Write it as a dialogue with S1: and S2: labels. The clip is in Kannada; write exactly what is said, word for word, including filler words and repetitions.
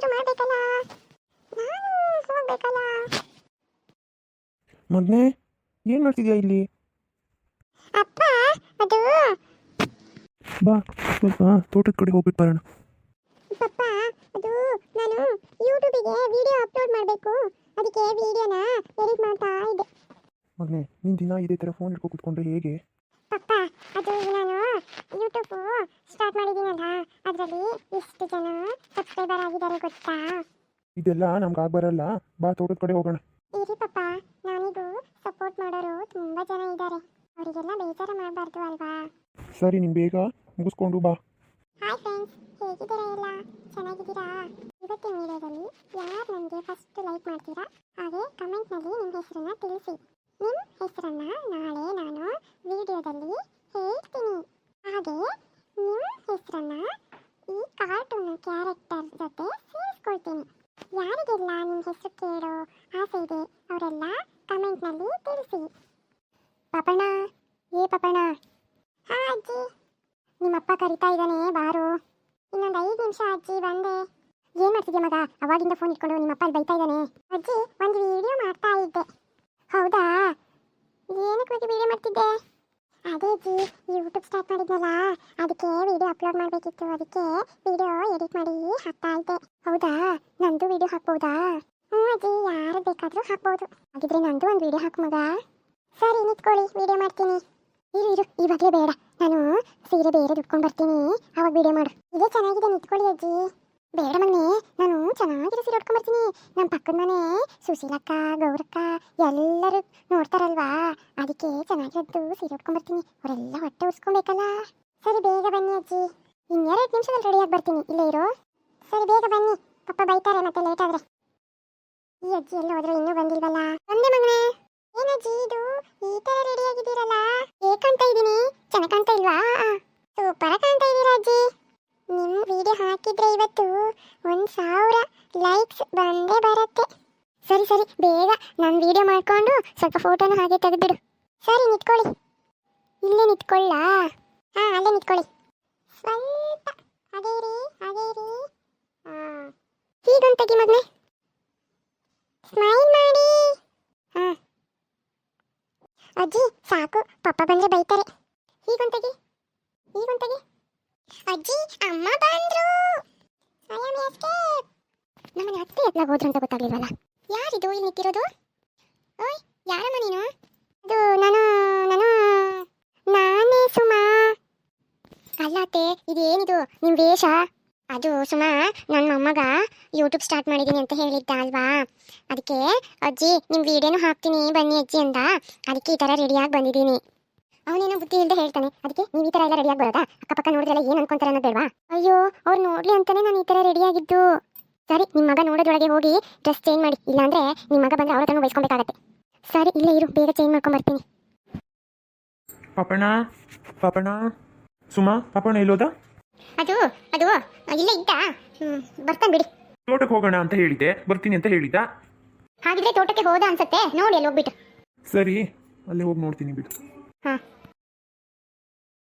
S1: ಮಾಡಬೇಕಲ್ಲ, ನಾನು ಹೋಗ್ಬೇಕಲ್ಲ.
S2: ಮಗನೇ, ಏನು ಮಾಡ್ತಿದ್ಯಾ ಇಲ್ಲಿ?
S1: ಅಪ್ಪ ಅದು
S2: ಬಾ, ಸ್ವಲ್ಪ ತೋಟದ ಕಡೆ ಹೋಗ್ಬಿಟ್ಟು ಬರೋಣ.
S1: ಪಪ್ಪ ಅದು ನಾನು ಯೂಟ್ಯೂಬಿಗೆ ವಿಡಿಯೋ ಅಪ್ಲೋಡ್ ಮಾಡಬೇಕು, ಅದಕ್ಕೆ ವಿಡಿಯೋನ ಎಡಿಟ್ ಮಾಡ್ತಾ ಇದ್ದೆ.
S2: ಮಗನೇ, ನೀನು ದಿನ ಇದೇ ಥರ ಫೋನ್ ಹಿಡ್ಕೊ ಕೂತ್ಕೊಂಡ್ರೆ ಹೇಗೆ?
S1: ಪಪ್ಪ ಅದು ನಾನು ಯೂಟ್ಯೂಬ್ ಸ್ಟಾರ್ಟ್ ಮಾಡಿದ್ದೀನಲ್ಲ, ಅದರಲ್ಲಿ ಎಷ್ಟು ಜನ ಸಬ್ಸ್ಕ್ರೈಬರ್ ಆಗಿದ್ದಾರೆ ಗೊತ್ತಾ?
S2: ಇದೆಲ್ಲ ನಮ್ಗೆ ಆಗ ಬರಲ್ಲ. ಬಾ, ತೋಟದ ಕಡೆ ಹೋಗೋಣ.
S1: ಇರಿ ಪಪ್ಪ, ನಾನಿಗೂ ಸಪೋರ್ಟ್ ಮಾಡೋರು ತುಂಬ ಜನ ಇದ್ದಾರೆ, ಅವರಿಗೆಲ್ಲ ಬೇಜಾರು ಮಾಡಬಾರ್ದು ಅಲ್ವಾ?
S2: ಸರಿ, ನೀನು ಬೇಗ ಮುಗಿಸ್ಕೊಂಡು ಬಾ.
S1: ಹಾಯ್ ಫ್ರೆಂಡ್ಸ್, ಹೇಗಿದ್ದೀರಾ? ಎಲ್ಲ ಚೆನ್ನಾಗಿದ್ದೀರಾ? ಇವತ್ತಿನ ವಿಡಿಯೋದಲ್ಲಿ ಯಾರು ನನಗೆ ಫಸ್ಟ್ ಲೈಕ್ ಮಾಡ್ತೀರಾ ಹಾಗೆ ಕಮೆಂಟ್ನಲ್ಲಿ ನಿಮ್ಮ ಹೆಸರನ್ನ ತಿಳಿಸಿ. ನಿಮ್ಮ ಹೆಸರನ್ನ ನಾಳೆ ನಾನು ವಿಡಿಯೋದಲ್ಲಿ ಹೇಳ್ತೀನಿ. ಹಾಗೆ ನಿಮ್ಮ ಹೆಸರನ್ನ ಈ ಕಾರ್ಟೂನ್ ಕ್ಯಾರೆಕ್ಟರ್ ಜೊತೆ ಸೇರಿಸ್ಕೊಳ್ತೀನಿ. ಯಾರಿಗೆಲ್ಲ ನಿಮ್ಮ ಹೆಸರು ಕೇಳೋ ಆಸೆ ಇದೆ ಅವರೆಲ್ಲ ಕಮೆಂಟ್ನಲ್ಲಿ ತಿಳಿಸಿ. ಪಾಪಣ್ಣ, ಏ ಪಾಪಣ್ಣ. ಹಾ ಅಜ್ಜಿ. ನಿಮ್ಮಪ್ಪ ಕರಿತಾ ಇದ್ದಾನೆ, ಬಾರು. ಇನ್ನೊಂದು ಐದು ನಿಮಿಷ ಅಜ್ಜಿ, ಬಂದೆ. ಏನು ಮಾಡ್ತಿದ್ಯಾ ಮಗ? ಅವಾಗಿಂದ ಫೋನ್ ಇಟ್ಕೊಂಡು ನಿಮ್ಮಪ್ಪ ಅಲ್ಲಿ ಬೈತಾ ಇದ್ದಾನೆ. ಅಜ್ಜಿ, ಒಂದು ವಿಡಿಯೋ ಮಾಡ್ತಾ ಇದ್ದೆ. ಹೌದಾ? ಏನಕ್ಕೆ ಬಗ್ಗೆ ವಿಡಿಯೋ ಮಾಡ್ತಿದ್ದೆ? ಅದೇ ಅಜ್ಜಿ, ಯೂಟ್ಯೂಬ್ ಸ್ಟಾರ್ಟ್ ಮಾಡಿದ್ನಲ್ಲ, ಅದಕ್ಕೆ ವಿಡಿಯೋ ಅಪ್ಲೋಡ್ ಮಾಡಬೇಕಿತ್ತು, ಅದಕ್ಕೆ ವಿಡಿಯೋ ಎಡಿಟ್ ಮಾಡಿ ಹಾಕ್ತಾ ಇದ್ದೆ. ಹೌದಾ? ನಂದು ವಿಡಿಯೋ ಹಾಕ್ಬೋದಾ? ಹ್ಞೂ ಅಜ್ಜಿ, ಯಾರು ಬೇಕಾದರೂ ಹಾಕ್ಬೋದು. ಹಾಗಿದ್ರೆ ನಂದು ಒಂದು ವಿಡಿಯೋ ಹಾಕು ಮಗ. ಸರಿ, ನಿಂತ್ಕೊಳ್ಳಿ, ವಿಡಿಯೋ ಮಾಡ್ತೀನಿ. ಇರು ಇರು, ಇವಾಗಲೇ ಬೇಡ, ನಾನು ಸೀರೆ ಬೇರೆ ದುಡ್ಕೊಂಡು ಬರ್ತೀನಿ, ಅವಾಗ ವಿಡಿಯೋ ಮಾಡು. ಇದೇ ಚೆನ್ನಾಗಿದೆ, ನಿಂತ್ಕೊಳ್ಳಿ ಅಜ್ಜಿ. ಬೇಡ ಮಗನೇ, ನಾನು ಚೆನ್ನಾಗಿರೋ ಸೀರೆ ಉಟ್ಕೊಂಡು ಬರ್ತೀನಿ. ನಮ್ಮ ಪಕ್ಕದ ಮನೆ ಸುಶೀಲಕ್ಕ, ಗೌರಕ್ಕ ಎಲ್ಲರೂ ನೋಡ್ತಾರಲ್ವಾ, ಅದಕ್ಕೆ ಚೆನ್ನಾಗಿರೋದು ಸೀರೆ ಉಟ್ಕೊಂಡು ಬರ್ತೀನಿ. ಅವರೆಲ್ಲ ಹೊಟ್ಟೆ ಉರ್ಸ್ಕೊಬೇಕಲ್ಲ. ಸರಿ, ಬೇಗ ಬನ್ನಿ ಅಜ್ಜಿ. ಇನ್ನೆರಡು ನಿಮಿಷದಲ್ಲಿ ರೆಡಿಯಾಗಿ ಬರ್ತೀನಿ, ಇಲ್ಲೇ ಇರು. ಸರಿ, ಬೇಗ ಬನ್ನಿ, ಪಪ್ಪ ಬೈತಾರೆ ಮತ್ತೆ ಲೇಟ್ ಆದರೆ. ಈ ಅಜ್ಜಿ ಎಲ್ಲ ಹೋದ್ರೆ ಇನ್ನೂ ಬಂದಿಲ್ವಲ್ಲ? ಬಂದೆ ಮಗನೇ. ಏನಜ್ಜಿ ಇದು ಈ ತರ ರೆಡಿ ಆಗಿದ್ದೀರಲ್ಲ? ಹೇಗೆ ಕಾಣ್ತಾ ಇದ್ದೀನಿ? ಚೆನ್ನಾಗಿ ಕಾಣ್ತಾ ಇಲ್ವಾ? ಸೂಪರ್ ಕಾಣ್ತಾ ಇದ್ದೀರಾ ಅಜ್ಜಿ. ನಿಮ್ಮ ವಿಡಿಯೋ ಹಾಕಿದ್ರೆ ಇವತ್ತು ಒಂದು ಸಾವಿರ ಲೈಕ್ಸ್ ಬಂದೇ ಬರುತ್ತೆ. ಸರಿ ಸರಿ, ಬೇಗ ನಾನು ವಿಡಿಯೋ ಮಾಡ್ಕೊಂಡು ಸ್ವಲ್ಪ ಫೋಟೋನ ಹಾಗೆ ತೆಗೆದ್ಬಿಡು. ಸರಿ, ನಿಂತ್ಕೊಳ್ಳಿ. ಇಲ್ಲೇ ನಿಂತ್ಕೊಳ್ಳ? ಹಾಂ, ಅಲ್ಲೇ ನಿಂತ್ಕೊಳ್ಳಿ. ಸ್ವಲ್ಪ ಹಾಗೇ ಇರಿ, ಹಾಗೇ ಇರಿ. ಹಾಂ, ಹೀಗೊಂದು ತೆಗಿ ಮಗನೇ, ಸ್ಮೈಲ್ ಮಾಡಿ. ಹಾಂ ಅಜ್ಜಿ, ಸಾಕು, ಪಪ್ಪ ಬಂದ್ರೆ ಬೈತಾರೆ. ಹೀಗೊಂದು ತೆಗಿ, ಹೀಗೊಂದು ತೆಗಿ. ಅಜ್ಜಿ, ಅಮ್ಮ ಬಂದ್ರು. I am escape. ನಮ್ಮನೆ ಅತ್ತೆ ಎತ್ಲಾಗ ಹೋದ್ರು ಅಂತ ಗೊತ್ತಾಗ್ಲಿಲ್ವಲ್ಲ? ಯಾರಿದು ಇಲ್ಲಿ ನಿಂತಿರೋದು? ಓಯ್, ಯಾರಮ್ಮ ನೀನು? ಅದು ನಾನು ನಾನು ನಾನೇ ಸುಮಾ. ಅಲ್ಲ ಅತ್ತೆ, ಇದೇನಿದು ನಿಮ್ಮ ವೇಷ? ಅದು ಸುಮಾ, ನನ್ನ ಮೊಮ್ಮಗ ಯೂಟ್ಯೂಬ್ ಸ್ಟಾರ್ಟ್ ಮಾಡಿದ್ದೀನಿ ಅಂತ ಹೇಳಿದ್ದ ಅಲ್ವಾ, ಅದಕ್ಕೆ ಅಜ್ಜಿ ನಿಮ್ಮ ವಿಡಿಯೋನು ಹಾಕ್ತೀನಿ ಬನ್ನಿ ಅಜ್ಜಿ ಅಂದ, ಅದಕ್ಕೆ ಈ ಥರ ರೆಡಿಯಾಗಿ ಬಂದಿದ್ದೀನಿ. ಅವನೇನೋ ಬುದ್ಧಿ ಇಲ್ಲದೆ ಹೇಳ್ತಾನೆ, ಅದಕ್ಕೆ ನೀವು ಈ ಥರ ಎಲ್ಲ ರೆಡಿಯಾಗಿ ಬರೋದಾ? ಅಕ್ಕಪಕ್ಕ ನೋಡಿದ್ರೆಲ್ಲ ಏನು ಅನ್ಕೊಂತಾರೆ ಅನ್ನೋದು ಬೇಡವಾ? ಅಯ್ಯೋ, ಅವ್ರು ನೋಡಲಿ ಅಂತಾನೆ ನಾನು ಈ ಥರ ರೆಡಿಯಾಗಿದ್ದು. ಸರಿ, ನಿಮ್ಮ ಮಗ ನೋಡೋದೊಳಗೆ ಹೋಗಿ ಡ್ರೆಸ್ ಚೇಂಜ್ ಮಾಡಿ, ಇಲ್ಲಾಂದರೆ ನಿಮ್ಮ ಮಗ ಬಂದರೆ ಅವ್ರ ಹತ್ರನೂ ಬೈಸ್ಕೊಬೇಕಾಗತ್ತೆ. ಸರಿ, ಇಲ್ಲೇ ಇರು, ಬೇಗ ಚೇಂಜ್ ಮಾಡ್ಕೊಂಬರ್ತೀನಿ.
S2: ಪಾಪಣ್ಣ, ಪಾಪಣ್ಣ, ಸುಮಾ, ಪಾಪಣ್ಣ ಎಲ್ಲೋದ?
S1: ಅದು ಅದು ಇಲ್ಲೇ ಇದ್ದ, ಬರ್ತಾನೆ ಬಿಡಿ.
S2: ತೋಟಕ್ಕೆ ಹೋಗೋಣ ಅಂತ ಹೇಳಿದ್ದೆ, ಬರ್ತೀನಿ ಅಂತ ಹೇಳಿದ್ದ.
S1: ಹಾಗಿದ್ರೆ ತೋಟಕ್ಕೆ ಹೋದ ಅನ್ಸತ್ತೆ, ನೋಡಿ ಅಲ್ಲಿ ಹೋಗ್ಬಿಟ್ಟು.
S2: ಸರಿ, ಅಲ್ಲೇ ಹೋಗಿ ನೋಡ್ತೀನಿ ಬಿಡು.
S1: ಹಾಂ